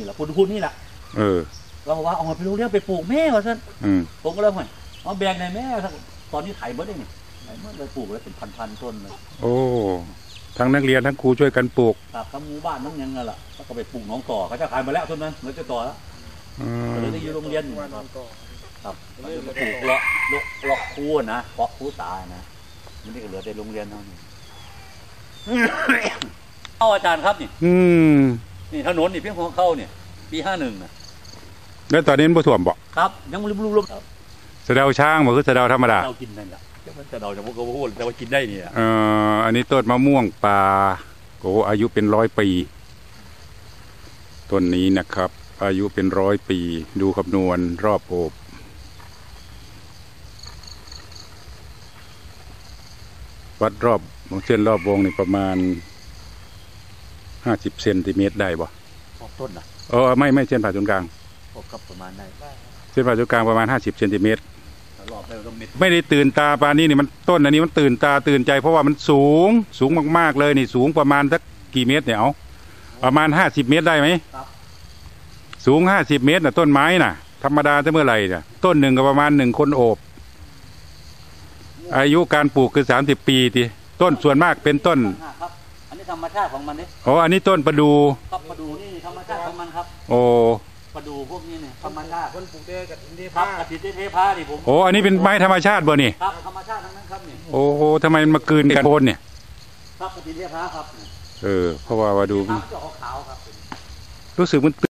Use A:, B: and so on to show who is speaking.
A: แหละคุณนี่แหละเราว่าเอาไปโรงเรียนไปปลูกแม่ก่อนซะผมก็เลยว่าเอาแบ่งในแม่ตอนนี้ไถเมื่อได้นี่ไถเมื่อเลยปลูกแล้วเป็นพันต้นเลย
B: โอ้ทั้งนักเรียนทั้งครูช่วยกันปลูก
A: ครับทั้งหมู่บ้านทั้งยังไงล่ะก็ไปปลูกน้องต่อเขาจะขายมาแล้วต้นนั้นเหมือนจะต่อแล้วเลยได้อยู่โรงเรียนครับปลูกเลาะคูนะเพาะคูตานะมันนี่ก็เหลือแต่โรงเรียนเท่านี้เอาอาจารย์ครับนี่ถนนนี่เพียงของเข้าเนี่ยปี51นะ
B: แล้วตอนนี้มันท่วมบ่
A: ครับยังรุม
B: สะเดาช้างบ่คือสะเดาธรรมดา
A: เรากินนั่นแหละสะเดาจะพูดแต่ว่ากินได้เนี่ย
B: อันนี้ต้นมะม่วงป่าโอ้อายุเป็น100 ปีต้นนี้นะครับอายุเป็น100 ปีดูคำนวณรอบโอบวัดรอบเส้นรอบวงนี่ประมาณ50 เซนติเมตรได้บ่
A: ต้นนะ
B: ไม่เส้นผ่าศูนย์กลาง
A: กับประมาณได้
B: เส้นผ่าศูนย์กลางประมาณ50 เซนติเมตรไม่ได้ตื่นตาปานนี้นี่มันต้นอันนี้มันตื่นตาตื่นใจเพราะว่ามันสูงมากๆเลยนี่สูงประมาณสักกี่เมตรเนี่ยเอาประมาณ50 เมตรได้ไหมสูง50 เมตรน่ะต้นไม้น่ะธรรมดาจะเมื่อไหร่น่ะต้นหนึ่งก็ประมาณ1 คนโอบอายุการปลูกคือ30 ปีทีต้นส่วนมากเป็นต้น
A: อันนี้ธรรมชาติของมันนี่
B: อันนี้ต้นประดู
A: ครับประดูนี่ธรรมชาติของมันครับประดูพวกนี้เนี่ยธรรมชาติ
C: คนปลูกเทกับดินเท
A: พากับดินเทพาดิผม
B: อันนี้เป็นไม้ธรรมชาติบ่นี่
A: ครับธรรมชาติทั้งนั้นครับนี่
B: ทำไมมันมากลืนกันโคนเนี่ย
A: ครับกับดินเทพาครับ
B: เพราะว่าดู
A: ขาวครับ
B: รู้สึกมัน